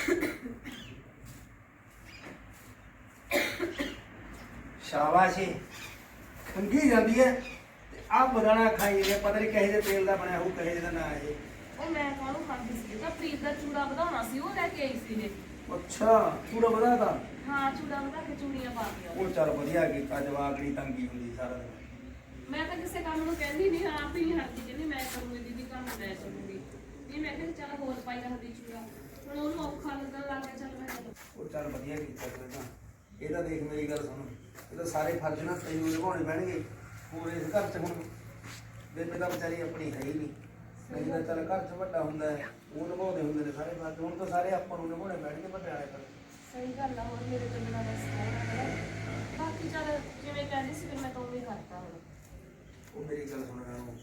[SPEAKER 2] ਸ਼ਾਬਾਸ਼ ਏ, ਖੰਗੀ ਜਾਂਦੀ ਹੈ ਤੇ ਆ ਬਦਾਨਾ ਖਾਈ ਜੇ ਪਤਾ ਨਹੀਂ ਕਹੇ ਦੇ ਤੇਲ ਦਾ ਬਣਿਆ ਹੋਊ, ਕਹੇ ਦਾ ਨਾ ਇਹ।
[SPEAKER 7] ਉਹ ਮੈਂ ਕਾਹਨੂੰ ਖਾਂਦੀ ਸੀ, ਤਾਂ ਪ੍ਰੀਤ ਦਾ ਚੂੜਾ ਵਧਾਉਣਾ ਸੀ, ਉਹ ਲੈ ਕੇ ਆਈ ਸੀ ਇਹ।
[SPEAKER 2] ਅੱਛਾ ਪੂਰਾ ਵਧਾਤਾ।
[SPEAKER 7] ਹਾਂ ਚੂੜਾ ਵਧਾ ਕੇ ਚੂੜੀਆਂ ਪਾ ਕੇ ਆਓ।
[SPEAKER 2] ਉਹ ਚੱਲ ਵਧੀਆ ਕੀਤਾ, ਜਵਾਬ ਦੀ ਤੰਗੀ ਹੁੰਦੀ ਸਾਰਾ ਦਿਨ।
[SPEAKER 7] ਮੈਂ ਤਾਂ ਕਿਸੇ ਕੰਮ ਨੂੰ ਕਹਿੰਦੀ ਨਹੀਂ, ਆਪ ਹੀ ਨਹੀਂ ਹਟਦੀ, ਕਹਿੰਦੀ ਮੈਂ ਕਰੂੰਗੀ ਦੀਦੀ ਕੰਮ ਮੈਂ ਕਰੂੰਗੀ। ਇਹ ਮੈਂ ਕਿਹਾ ਚੱਲ ਹੋਰ ਪਾਈ ਰੱਖਦੀ ਚੂੜਾ, ਹੁਣ ਉਹਨੂੰ ਔਖਾ ਲੱਗਣ ਲੱਗ ਗਿਆ, ਚੱਲ ਮੈਂ ਕਿਹਾ
[SPEAKER 2] ਉਹ ਚੱਲ ਵਧੀਆ ਕੀਤਾ ਫਿਰ ਤਾਂ। ਇਹ ਤਾਂ ਦੇਖ ਮੇਰੀ ਗੱਲ ਸੁਣ, ਇਹ ਤਾਂ ਸਾਰੇ ਫਰਜ਼ ਨਾ ਤੈਨੂੰ ਨਿਭਾਉਣੇ ਪੈਣਗੇ। ਹੋਰ ਇਸ ਘਰ 'ਚ ਹੁਣ ਬੇਬੇ ਤਾਂ ਵਿਚਾਰੀ ਆਪਣੀ ਹੈ ਹੀ ਨਹੀਂ, ਨਹੀਂ ਤਾਂ ਚੱਲ ਘਰ 'ਚ ਵੱਡਾ ਹੁੰਦਾ ਹੈ, ਉਹ ਨਿਭਾਉਂਦੇ ਹੁੰਦੇ ਨੇ ਸਾਰੇ ਫਰਜ਼। ਹੁਣ ਤਾਂ ਸਾਰੇ ਆਪਾਂ ਨੂੰ ਨਿਭਾਉਣੇ ਪੈਣਗੇ ਵੱਡੇ ਵਾਲੇ ਕਰ।
[SPEAKER 7] ਸਹੀ ਗੱਲ ਆ, ਹੁਣ ਮੇਰੇ ਤੋਂ ਬਿਨਾਂ ਬਸ ਕੌਣ ਹੈ। ਬਾਕੀ ਚੱਲ ਜਿਵੇਂ ਕਹਿੰਦੀ ਸੀ ਫਿਰ ਮੈਂ ਤਾਂ ਉਵੇਂ ਹੀ ਕਰਤਾ ਹੁਣ।
[SPEAKER 2] ਉਹ ਮੇਰੀ ਗੱਲ ਸੁਣ ਰਿਹਾ,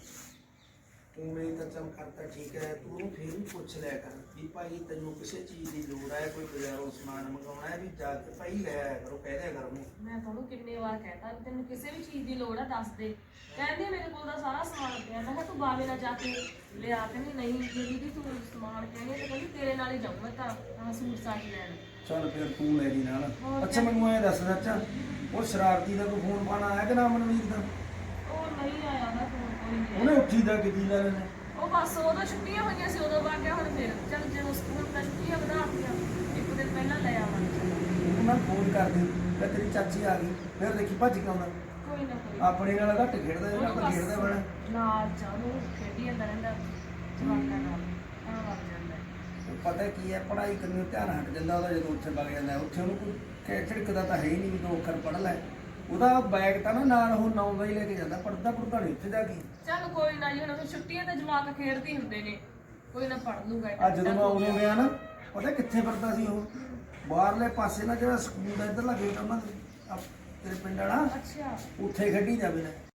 [SPEAKER 2] ਤੂੰ ਮੇਰੀ ਤਾਂ ਚੱਲ ਕਰਤਾ ਠੀਕ ਹੈ, ਤੂੰ ਉਹਨੂੰ ਫਿਰ ਵੀ ਪੁੱਛ ਲਿਆ ਕਰ ਵੀ ਭਾਈ ਤੈਨੂੰ ਕਿਸੇ ਚੀਜ਼ ਦੀ ਲੋੜ ਹੈ, ਕੋਈ ਬਾਜ਼ਾਰੋਂ ਸਮਾਨ ਮੰਗਾਉਣਾ ਹੈ, ਵੀ ਜਾ ਕੇ ਭਾਈ ਲੈ ਆਇਆ ਕਰੋ, ਕਹਿ ਦਿਆ ਕਰ ਉਹਨੂੰ।
[SPEAKER 7] ਮੈਂ ਤੁਹਾਨੂੰ ਕਿੰਨੇ ਵਾਰ ਕਹਿਤਾ ਵੀ ਤੈਨੂੰ ਕਿਸੇ ਵੀ ਚੀਜ਼ ਦੀ ਲੋੜ ਆ ਦੱਸ ਦੇ। ਕਹਿੰਦੀ ਮੇਰੇ ਕੋਲ ਦਾ ਸਾਰਾ ਸਮਾਨ ਪਿਆ। ਮੈਂ ਕਿਹਾ ਤੂੰ ਬਾਵੇ ਨਾਲ ਜਾ ਕੇ ਲਿਆ। ਕਹਿੰਦੀ ਨਹੀਂ ਜੇ ਦੀਦੀ ਤੂੰ ਸਮਾਨ ਕਹਿੰਦੀ ਤੇ ਕਹਿੰਦੀ ਤੇਰੇ ਨਾਲ ਹੀ ਜਾਊਂ ਮੈਂ ਤਾਂ ਆਹ ਸੂਟ ਸਾਟ ਲੈਣ।
[SPEAKER 2] ਚੱਲ ਫਿਰ ਤੂੰ ਲੈ ਜੀ ਨਾਲ। ਅੱਛਾ ਮੈਨੂੰ ਐਂ ਦੱਸ ਸੱਚਾ, ਉਹ ਸ਼ਰਾਰਤੀ ਦਾ ਕੋਈ ਫੋਨ ਪਾਣਾ ਆਇਆ ਕਿ ਨਾ ਮਨਵੀਰ ਦਾ?
[SPEAKER 7] ਉਹ ਨਹੀਂ ਆਇਆ ਨਾ ਫੋਨ ਕੋਈ ਨਹੀਂ।
[SPEAKER 2] ਉਹਨੇ ਉੱਠੀ ਦਾ ਕਿਦੀ ਲੈ ਲੈਣਾ।
[SPEAKER 7] ਉਹ ਬਸ ਉਦੋਂ ਛੁੱਟੀਆਂ ਹੋਈਆਂ ਸੀ ਉਦੋਂ ਵਗ ਗਿਆ। ਹੁਣ ਫਿਰ ਚੱਲ ਜਦੋਂ ਸਕੂਲ ਦਾ ਛੁੱਟੀਆਂ ਵਧਾਤੀਆਂ ਇੱਕ ਦਿਨ ਪਹਿਲਾਂ ਲੈ ਆਵਾਂਗੇ।
[SPEAKER 2] ਉਹਨਾਂ ਫੋਨ ਕਰਦੀ ਤੇ ਤੇਰੀ ਚਾਚੀ ਆ ਗਈ, ਫਿਰ ਦੇਖੀ ਭੱਜ ਕੇ ਆਉਂਦਾ।
[SPEAKER 7] ਕੋਈ ਨਾ ਕੋਈ
[SPEAKER 2] ਆਪਣੇ ਨਾਲ ਘੱਟ ਖੇਡਦਾ, ਇਹਨਾਂ
[SPEAKER 7] ਉਹਨੂੰ
[SPEAKER 2] ਨਾਲ ਖੇਡਦਾ ਬਣਾ।
[SPEAKER 7] ਬਸ ਨਾਲ ਜਾਣੂ ਖੇਡੀ ਜਾਂਦਾ ਰਹਿੰਦਾ ਜਵਾਕਾਂ ਨਾਲ, ਤਾਂ ਵਗ ਜਾਂਦਾ ਹੈ।
[SPEAKER 2] ਉਹ ਪਤਾ ਕੀ ਹੈ, ਪੜ੍ਹਾਈ ਕਰਨ ਨੂੰ ਧਿਆਨ ਹਟ ਜਾਂਦਾ ਉਹਦਾ ਜਦੋਂ ਉੱਥੇ ਵਗ ਜਾਂਦਾ। ਉੱਥੇ ਉਹਨੂੰ ਕੋਈ ਕਹਿ ਝਿੜਕਦਾ ਤਾਂ ਹੈ ਹੀ ਨਹੀਂ ਵੀ ਦੋ ਅੱਖਰ ਪੜ੍ਹ ਲੈ। ਉਹਦਾ ਬੈਗ ਤਾਂ ਨਾ ਨਾਲ ਉਹ ਨੌਂ ਦਾ ਹੀ ਲੈ ਕੇ ਜਾਂਦਾ, ਪੜ੍ਹਦਾ ਪੜ੍ਹਦਾ ਨਹੀਂ ਉੱਥੇ ਜਾ ਕੇ।
[SPEAKER 7] ਚੱਲ ਕੋਈ ਨਾ ਜੀ, ਹੁਣ ਫਿਰ ਛੁੱਟੀਆਂ ਤੇ ਜਵਾਕ ਖੇਡਦੇ ਹੁੰਦੇ ਨੇ, ਕੋਈ ਨਾ ਪੜ੍ਹ ਲੂਗਾ।
[SPEAKER 2] ਅੱਜ ਜਦੋਂ ਮੈਂ ਉਦੋਂ ਗਿਆ ਨਾ, ਪਤਾ ਕਿੱਥੇ ਫਿਰਦਾ ਸੀ ਉਹ? ਬਾਹਰਲੇ ਪਾਸੇ ਨਾ ਜਿਹੜਾ ਸਕੂਲ ਦਾ ਇੱਧਰਲਾ ਗੇਟ ਉਹਨਾਂ ਦੇ ਆਹ ਤੇਰੇ ਪਿੰਡ ਵਾਲਾ,
[SPEAKER 7] ਅੱਛਾ
[SPEAKER 2] ਉੱਥੇ ਖੇਡੀ ਜਾਵੇ ਨਾ।